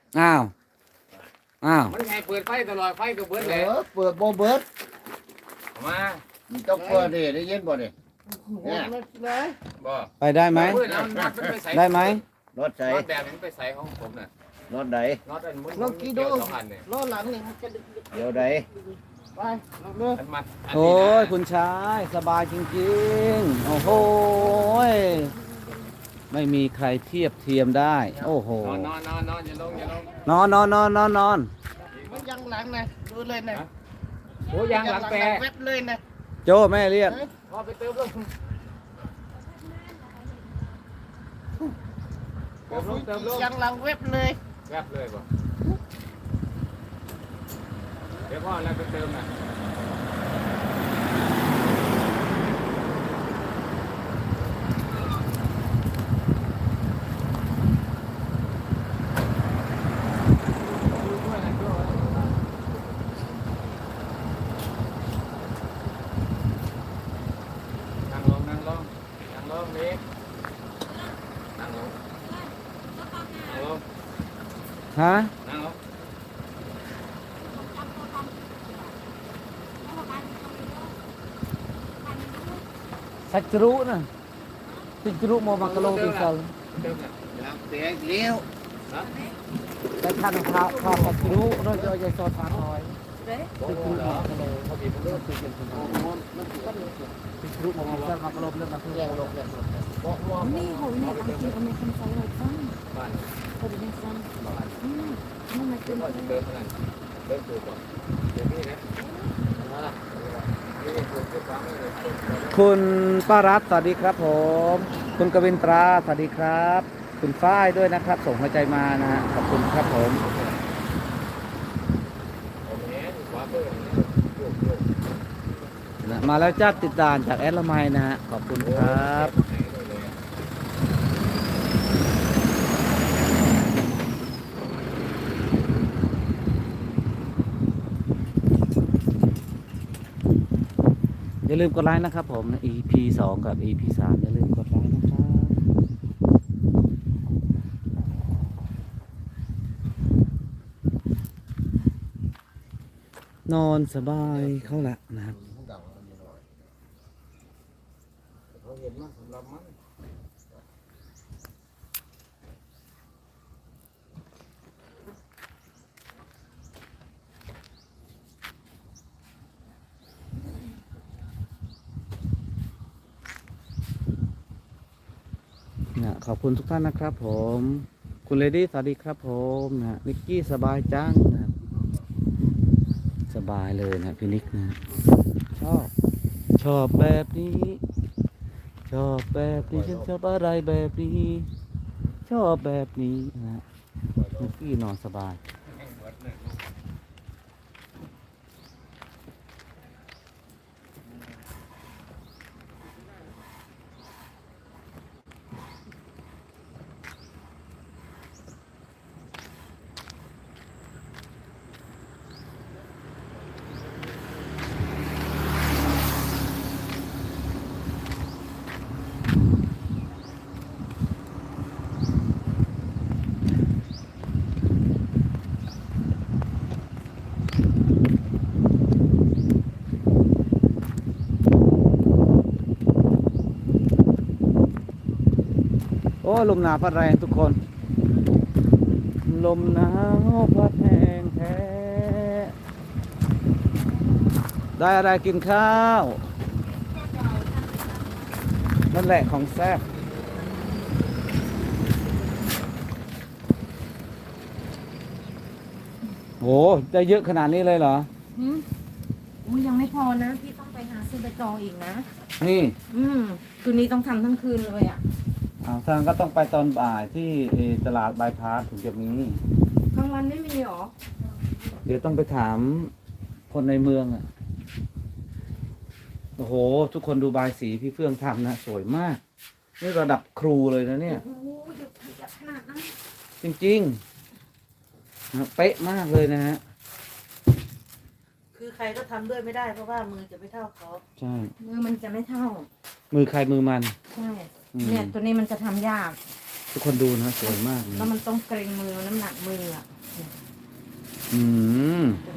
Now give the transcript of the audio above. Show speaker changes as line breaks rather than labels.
อ้าว
มันไงเปิดไฟตลอดไฟก็เบิดเลย
เปิดบ่เบิด
มา
มันต้องเปิดดิได้ยินบ่ดิเนี่ย
บ่
ไปได้ไหม
เปิดเอาน็อตมันไปใส่
ได้ไหม
รถใส่
น็อตแบบนี้ไปใส่ของผมน่ะ
รถใด
น็อตอันมุน
ลองกี่ดู
เกี่ยวสองอันเนี่ย
ล้อหลังนี่มันจะดึก
เดี๋ยวใด
ไปลองดู
อันมัดอัน
โอ้
นี้
ย
นะ
คุณชายสบายจริงๆโอ้โหไม่มีใครเทียบเทียมได้โอ้โห
นอนอย่าลง
นอนนอน
มันยังหลังนะดูเลยนะ
โอ้ยางหลังแปร
เว็บเลยนะ
โจแม่เรียก
พอไปเติมลงเติมลง
ยังหลังเว็บเลย
แวบเลยบ่เดี๋ยวพ่อแล้วไปเติมน่ะนั่งลงเล็กนั่งลงนั่งลง
ฮะ
นั่งลง
สัจรุนะสัจรุโมมังกะโลติสัล
เติมน่ะ
ยางเสียเลี้ยว
ฮะ
แต่ท่านข้าวสัจรุเราจะยังโซทานหน่อย
โอ้โหเหรอเขาบีบมันเลิก
สัจรุโมมังกะมังกะโลเรื่องมันเพื่อโลกเลย
บอกว่า
นี่เขาเนี่ยบางทีเขาไม่ทำใจไว้ฟัง
บ้าน
เขาจะไม่ฟัง
บ้าน
นั่นมัน
เดี๋
เป็
ย
น
วพ่อจะเติมเท่านั้นเติมถูกก่อนเดี๋ยวนี้นะมาละนี่ถูกที่ฟังเลย
คุณป้ารัตน์สวัสดีครับผม คุณกวินตราสวัสดีครับ คุณฝ้ายด้วยนะครับ ส่งหัวใจมานะฮะขอบคุณครับผม
ผมเห็นขวาเปิดโยก
นะมาแล้วจ้าติดด่านจากแอดละไมนะฮะขอบคุณครับ อย่าลืมกดไลค์นะครับผม EP 2 กับ EP 3อย่าลืมกดไลค์นะครับ นอนสบายเข้าละนะครับ
เขาเห็นมั้ยสำหรับมัน
นะขอบคุณทุกท่านนะครับผม คุณเลดี้สวัสดีครับผมนะนิกกี้สบายจังนะครับสบายเลยนะพี่นิกนะชอบแบบนี้ ชอบแบบนี้ฉันชอบอะไรแบบนี้ ชอบแบบนี้นะนิกกี้นอนสบาย โอ้ลมหนาวพัดแรงทุกคน ลมหนาวพัดแห้งแท้ ได้อะไรกินข้าว นั่นแหละของแซ่บโหได้เยอะขนาดนี้เลยเหรอ
อุ้ยยังไม่พอนะพี่ต้องไปหาซื้อใบตองอีกนะ
นี่
คืนนี้ต้องทำทั้งคืนเลยอ่ะ
ทางก็ต้องไปตอนบ่ายที่ตลาดบายพาสถึงจะมี
กลางวันไม่มีหรอ
เดี๋ยวต้องไปถามคนในเมืองอ่ะ โอ้โห ทุกคนดูบายสีพี่เฟื่องทำนะ สวยมาก นี่ระดับครูเลยนะเนี่ย
โอ้โหหยุดขนาดนั้น
จริงๆนะเป๊ะมากเลยนะฮะ
คือใครก็ทำด้วยไม่ได้เพราะว่ามือจะไม่เท่าเขา
ใช่
มือมันจะไม่เท่า
มือใครมือมัน
ใช่
อืม
เนี่ยตัวนี้มันจะทำยาก
อทุกคนดูนะสวยมากเลย
แล้วมันต้องเกรงมือน้ำหนักมืออ่ะ
อืม
จะ